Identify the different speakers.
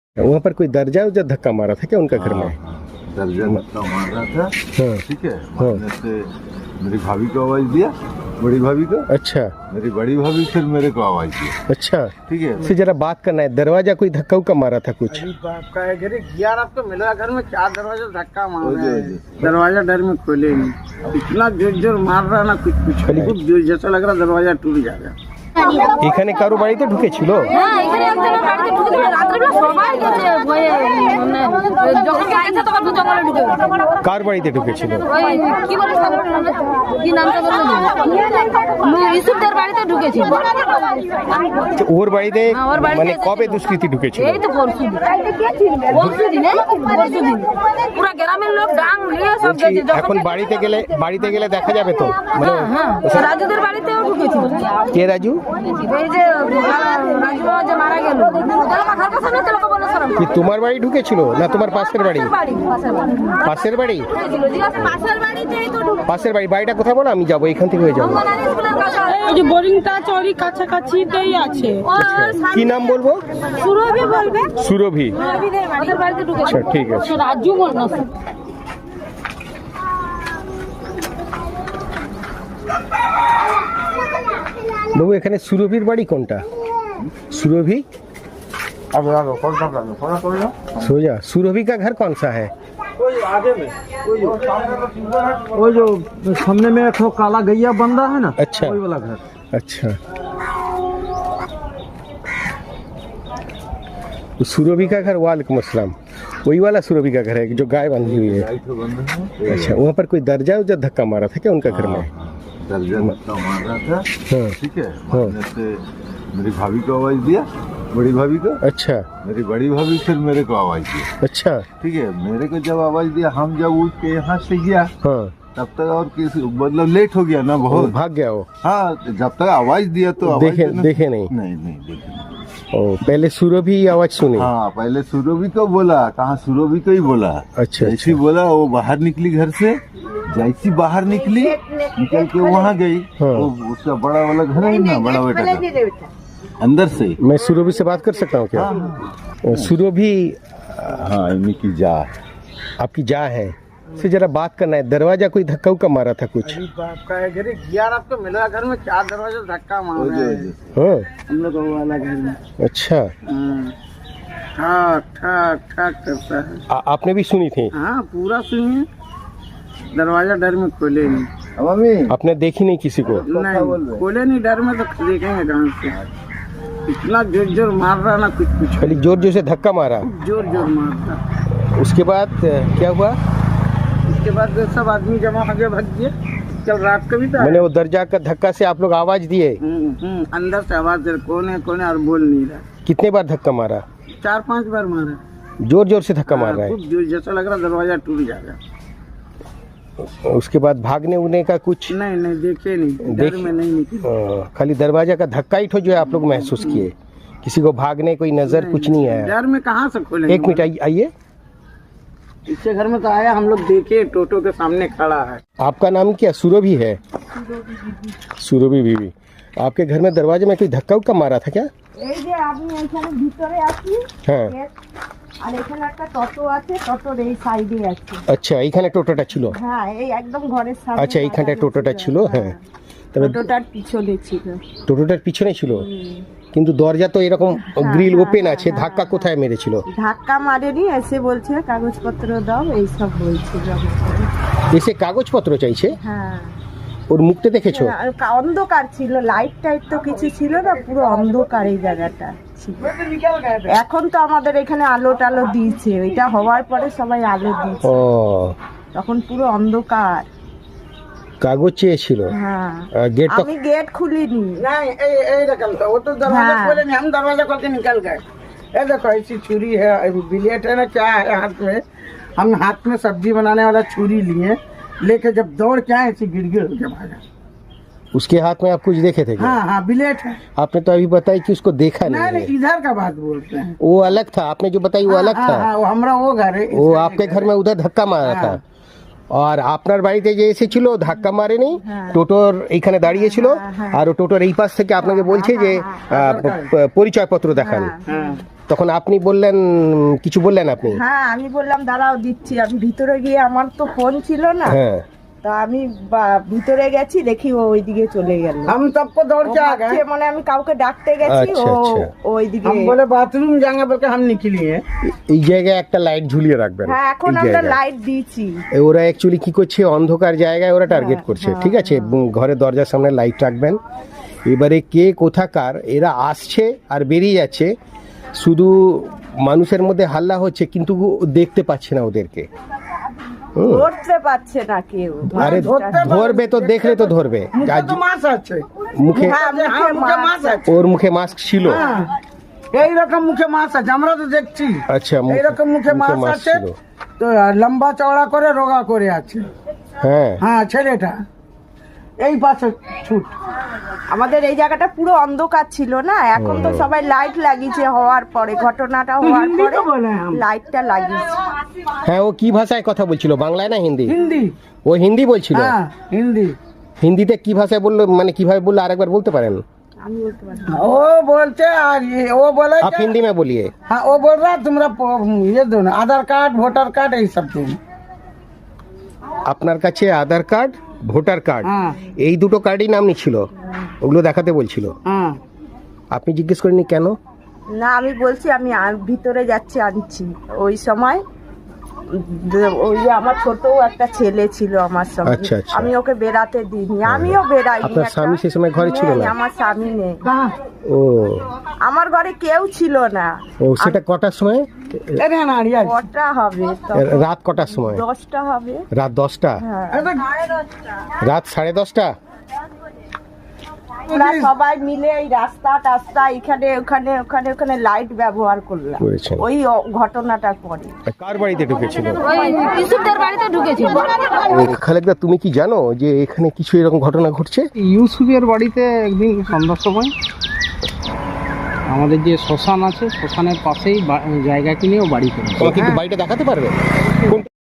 Speaker 1: वहाँ पर कोई दर्जा उर्जा धक्का मारा था क्या उनका घर में?
Speaker 2: दर्जा धक्का मार रहा था।
Speaker 1: हाँ।
Speaker 2: ठीक है, मारने से मेरी भाभी को आवाज दिया, बड़ी भाभी को।
Speaker 1: अच्छा।
Speaker 2: मेरी बड़ी भाभी फिर मेरे को आवाज दिया।
Speaker 1: अच्छा,
Speaker 2: ठीक है,
Speaker 1: फिर जरा बात करना है। दरवाजा कोई धक्का उक्का मारा था कुछ?
Speaker 3: यार आप तो मिला घर में क्या दरवाजा धक्का मार रहे हैं? दरवाजा डर में खोले नहीं, इतना जोर जोर मार रहा ना, कुछ खूब जोर जैसा लग रहा दरवाजा टूट जाएगा।
Speaker 1: এখানে কারো বাড়িতে ঢুকেছিল?
Speaker 4: হ্যাঁ, এখানে একজনের বাড়িতে ঢুকে দিল। রাত্রিবেলা সবাই গেছে ভয়ে, মানে যখন গেছে তখন তো জঙ্গলে ঢুকে গেছে।
Speaker 1: কার বাড়িতে ঢুকেছিল?
Speaker 4: ওই কি বলে কি নামটা বললো ইউসুফদের বাড়িতে ঢুকেছিল।
Speaker 1: ওর বাড়িতে
Speaker 4: হ্যাঁ, ওর বাড়িতে
Speaker 1: মানে
Speaker 4: এসেছিল।
Speaker 1: কবে দুষ্কৃতী ঢুকেছিল?
Speaker 4: এই তো পরশুদিন পুরা গ্রামের লোক ডাং নিয়ে সব
Speaker 1: বলছি,
Speaker 4: গেছে।
Speaker 1: এখন বাড়িতে গেলে দেখা যাবে তো? মানে
Speaker 4: হ্যাঁ, রাজুদের বাড়িতেও ঢুকেছিল।
Speaker 1: কে রাজু?
Speaker 4: এই যে রাজু বাবা যে মারা গেল, ঘর পাশে না তেলকা বলে সরম
Speaker 1: কি তোমার বাড়ি ঢুকেছিল না তোমার পাশের বাড়ি? পাশের বাড়ি? পাশের বাড়ি। বাড়িটা কোথায় বলো, আমি যাবো, এখান থেকে হয়ে যাবো।
Speaker 5: এই যে বোরিংটা চরি কাছাকাছিতেই আছে।
Speaker 1: কি নাম বলবো?
Speaker 4: সুরভি বলবে।
Speaker 1: সুরভি।
Speaker 4: ওদের বাড়িতে ঢুকেছে।
Speaker 1: আচ্ছা, ঠিক আছে।
Speaker 5: রাজু বল না।
Speaker 1: বাবু, এখানে সুরভির বাড়ি কোনটা? সুরভি? सोजा। सुरभि का घर कौन सा है?
Speaker 3: वो जो सामने में एक काला गैया बंदा है ना,
Speaker 1: अच्छा।
Speaker 3: वही वाला घर।
Speaker 1: अच्छा, तो सुरभि का घर, वालेकुम अस्सलाम, वही वाला सुरभि का घर है जो गाय बांधी हुई है? अच्छा, वहाँ पर कोई दर्जा उर्जा धक्का मारा था क्या उनका घर में?
Speaker 2: दर्जा धक्का मार रहा था।
Speaker 1: हाँ।
Speaker 2: ठीक है, मारने से मेरी भाभी को आवाज दिया, बड़ी भाभी को।
Speaker 1: अच्छा।
Speaker 2: मेरी बड़ी भाभी फिर मेरे को आवाज दिया।
Speaker 1: अच्छा।
Speaker 2: ठीक है, मेरे को जब आवाज दिया, हम जब उठ के यहाँ से गया,
Speaker 1: हाँ,
Speaker 2: तब तक और किसी मतलब लेट हो गया ना
Speaker 1: वो
Speaker 2: बहुत।
Speaker 1: भाग गया वो?
Speaker 2: हाँ, जब तक आवाज दिया तो आवाज
Speaker 1: देखे
Speaker 2: देना-
Speaker 1: देखे नहीं?
Speaker 2: नहीं देखे नहीं।
Speaker 1: ओ, पहले सुरभि आवाज सुनी?
Speaker 2: हाँ, पहले सुरभि को बोला, कहाँ सुरभि को ही बोला।
Speaker 1: अच्छा,
Speaker 2: जैसी बोला वो बाहर निकली घर से, जैसी बाहर निकली निकल के वहाँ गई।
Speaker 1: हाँ।
Speaker 2: वो उसका बड़ा वाला घर है ना, बड़ा बेटा का, अंदर से।
Speaker 1: मैं सुरभि से बात कर सकता हूँ क्या? सुरभि
Speaker 2: हाँ, इन्हीं की जा।
Speaker 1: आपकी जा है, से जरा बात करना है। दरवाजा कोई धक्का उक्का मारा था कुछ?
Speaker 3: यार आप तो मिला घर में क्या दरवाजा धक्का मार रहे हैं?
Speaker 1: हाँ।
Speaker 3: हम लोग वो वाला घर में
Speaker 1: अच्छा,
Speaker 3: ठाक ठाक ठाक करता है।
Speaker 1: आपने भी सुनी थी?
Speaker 3: हाँ, पूरा सुनिए, दरवाजा डर में खोले नहीं।
Speaker 2: मम्मी
Speaker 1: आपने देखी नहीं किसी को?
Speaker 3: नहीं खोले नहीं, डर में तो देखेंगे कहाँ से? इतना जोर जोर मार रहा ना, कुछ
Speaker 1: खाली जोर जोर से धक्का मारा?
Speaker 3: जोर जोर मारता।
Speaker 1: उसके बाद क्या हुआ?
Speaker 3: उसके बाद सब आदमी जमा हो गया, भाग गया। कल रात को भी था।
Speaker 1: मैंने वो दरजा का धक्का से आप लोग आवाज दिए?
Speaker 3: अंदर से आवाज दे, कौन है और बोल नहीं रहा।
Speaker 1: कितने बार धक्का मारा?
Speaker 3: 4-5 बार मारा।
Speaker 1: जोर जोर से धक्का मार रहा
Speaker 3: खूब जोर जैसा लग रहा दरवाजा टूट जाएगा।
Speaker 1: है। उसके बाद भागने उगने का कुछ?
Speaker 3: नहीं देखे नहीं, डर में नहीं निकले।
Speaker 1: खाली दरवाजा का धक्का ही ठो जो है आप लोग महसूस किए? किसी को भागने कोई नजर कुछ नहीं आया?
Speaker 3: डर में कहाँ से खोले?
Speaker 1: एक मिनट आइए।
Speaker 3: इससे घर में तो आया, हम लोग देखे टोटो के सामने खड़ा है।
Speaker 1: आपका नाम क्या? सुरभि है? सुरभि बीवी। आपके घर में दरवाजे में कोई धक्का उक्का मारा था क्या?
Speaker 6: এই যে আমি এখানে ভিতরে আছি,
Speaker 1: হ্যাঁ।
Speaker 6: আর এখানে একটা টোটো আছে, টোটোর এই সাইডে আছে।
Speaker 1: আচ্ছা, এইখানে টোটোটা ছিল?
Speaker 6: হ্যাঁ, এই একদম ঘরের সামনে।
Speaker 1: আচ্ছা, এইখানটা টোটোটা ছিল। হ্যাঁ, তবে
Speaker 6: টোটোটার পিছনে ছিল।
Speaker 1: টোটোটার পিছনে ছিল, কিন্তু দরজা তো এরকম গ্রিল ওপেন আছে, ধাক্কা কোথায় মেরেছিল?
Speaker 6: ধাক্কা মারেনি, এসে বলছে কাগজপত্র দাও, এইসব বলছে।
Speaker 1: এসে কাগজপত্র চাইছে?
Speaker 6: হ্যাঁ।
Speaker 1: ওর মুখটা দেখেছো?
Speaker 6: আর অন্ধকার ছিল, লাইট টাইট তো কিছু ছিল না, পুরো অন্ধকার এই জায়গাটা ছিল। এখন তো আমাদের এখানে আলো টালো দিয়েছে, ওইটা হওয়ার পরে সবাই আলো দিয়েছে,
Speaker 1: ও,
Speaker 6: তখন পুরো অন্ধকার।
Speaker 1: কাগজ চেয়েছিল?
Speaker 6: হ্যাঁ,
Speaker 1: गेट तो
Speaker 6: আমি গেট খুলিনি।
Speaker 3: नहीं ये निकल वो तो दरवाजा
Speaker 6: हाँ।
Speaker 3: खोले नहीं, हम दरवाजा खोल के निकल गए। ये देखो ऐसी छुरी है, बिलेट है ना, क्या है हाथ में? हम हाथ में सब्जी बनाने वाला छुरी लिए, लेके जब दौड़ के आए ऐसी गिर के भागा।
Speaker 1: उसके हाथ में आप कुछ देखे थे क्या?
Speaker 3: हाँ, बिलेट है।
Speaker 1: आपने तो अभी बताई कि उसको देखा
Speaker 3: नहीं
Speaker 1: नहीं है।
Speaker 3: इधर का बात बोलते हैं।
Speaker 1: वो अलग था, आपने जो बताई वो अलग था।
Speaker 3: हाँ, वो हमारा वो घर है।
Speaker 1: वो आपके घर में उधर ধাক্কা মারা था। আর আপনার বাড়িতে যে এসেছিল ধাক্কা মারেনি, টোটোর এইখানে দাঁড়িয়ে ছিল, আর ও টোটোর এই পাশ থেকে আপনাকে বলছে যে পরিচয়পত্র দেখান। তখন আপনি বললেন, কিছু বললেন আপনি?
Speaker 6: হ্যাঁ আমি বললাম দাঁড়াও দিচ্ছি, আমি ভিতরে গিয়ে, আমার তো ফোন ছিল না,
Speaker 1: হ্যাঁ।
Speaker 6: তা আমি ভিতরে গেছি, দেখি ও ওইদিকে চলে গেল।
Speaker 3: हम सबको दौड़ के आ गए।
Speaker 6: মানে আমি কাউকে ডাকতে গেছি, ও
Speaker 1: আচ্ছা, আচ্ছা।
Speaker 6: ওইদিকে।
Speaker 3: हम बोले बाथरूम जाएंगे बोल के हम निकली है।
Speaker 1: এই জায়গায় একটা লাইট ঝুলিয়ে রাখবেন।
Speaker 6: হ্যাঁ এখন
Speaker 1: এই
Speaker 6: আমরা
Speaker 1: জায়গায়।
Speaker 6: লাইট দিয়েছি।
Speaker 1: ওরা অ্যাকচুয়ালি কি করছে, অন্ধকার জায়গায় ওরা টার্গেট করছে, ঠিক আছে? ঘরের দরজার সামনে লাইট রাখবেন। এবারে কে কোথাকার এরা আসছে আর বেরিয়ে যাচ্ছে, শুধু মানুষের মধ্যে হাল্লা হচ্ছে কিন্তু দেখতে পাচ্ছে না ওদেরকে।
Speaker 6: ধরতে পারছে না কেউ।
Speaker 1: আরে ধরবে তো, দেখলে তো ধরবে।
Speaker 3: मुझे तो मास আছে।
Speaker 1: মুখে,
Speaker 6: হ্যাঁ,
Speaker 3: हाँ मुझे
Speaker 6: মাছ
Speaker 3: मास আছে।
Speaker 1: ওর মুখে মাস্ক ছিল।
Speaker 3: হ্যাঁ, এইরকম মুখে মাছ আছে, আমরা তো দেখছি।
Speaker 1: আচ্ছা,
Speaker 3: এইরকম মুখে মাছ আছে,
Speaker 1: ছিল।
Speaker 3: তো লম্বা চওড়া করে রোগা করে আছে।
Speaker 1: হ্যাঁ,
Speaker 3: হ্যাঁ ছেলেটা এই পাশে ছুট।
Speaker 6: আমাদের এই জায়গাটা পুরো অন্ধকার ছিল না, এখন তো সবাই লাইট লাগিয়েছে, হওয়ার পরে, ঘটনাটা হওয়ার
Speaker 3: হিন্দি
Speaker 6: পরে
Speaker 3: তো বলে हम।
Speaker 6: লাইটটা লাগিয়েছে।
Speaker 1: হ্যাঁ। ও কি ভাষায় কথা বলছিল, বাংলায় না হিন্দি?
Speaker 3: হিন্দি।
Speaker 1: ও হিন্দি বলছিল।
Speaker 3: হ্যাঁ হিন্দি।
Speaker 1: হিন্দিতে কি ভাষায় বললো, মানে কিভাবে বললো আরেকবার বলতে পারেন?
Speaker 6: আমি বলতে পারি
Speaker 3: वो बोलते और ये वो बोले
Speaker 1: आप हिंदी में बोलिए।
Speaker 3: हाँ वो बोल रहा तुम्हारा ये दो ना, आधार कार्ड वोटर कार्ड यही सब दो।
Speaker 1: আপনার কাছে আধার কার্ড, ভোটার কার্ড,
Speaker 3: হ্যাঁ
Speaker 1: এই দুটো কার্ডই নাম নিচ্ছিল, ওগুলো দেখাতে বলছিল।
Speaker 3: হ্যাঁ।
Speaker 1: আপনি জিজ্ঞেস করেননি কেন?
Speaker 6: না, আমি বলছি আমি ভিতরে যাচ্ছি, আনছি। ওই সময় ওই যে আমার ছোট একটা ছেলে ছিল আমার সঙ্গে,
Speaker 1: আচ্ছা, আচ্ছা।
Speaker 6: আমি ওকে বেড়াতে দিইনি, আমিও বেড়াইনি।
Speaker 1: আপনার
Speaker 6: একটা-
Speaker 1: স্বামী সে সময় ঘরে ছিল
Speaker 6: নেই,
Speaker 1: না?
Speaker 6: আমার স্বামী নেই,
Speaker 3: कहाँ
Speaker 1: ও
Speaker 6: আমার ঘরে কেউ ছিল না।
Speaker 1: ও সেটা কটার সময়?
Speaker 3: अरे नारियल
Speaker 6: কটা হবে তখন?
Speaker 1: রাত কটার সময়?
Speaker 6: 10টা হবে।
Speaker 1: রাত 10টা?
Speaker 6: হ্যাঁ,
Speaker 1: রাত 10:30?
Speaker 6: আমরা সবাই মিলে এই রাস্তা টাস্তা এখানে ওখানে ওখানে ওখানে লাইট ব্যবহার করলাম
Speaker 1: করেছেন।
Speaker 6: ওই ঘটনাটার পরে।
Speaker 1: কার বাড়িতে ঢুকেছিল?
Speaker 4: ওই ইসুফদের বাড়িতে ঢুকেছিল।
Speaker 1: খালেকদা, তুমি কি জানো যে এখানে কিছু এরকম ঘটনা ঘটছে?
Speaker 7: ইউসুফের বাড়িতে একদিন সন্ধ্যার সময় আমাদের যে শ্মশান আছে, শ্মশানের পাশেই জায়গা কিনে ও বাড়ি করেছে।
Speaker 1: তোমাকে একটু বাড়িটা দেখাতে পারবে? কোন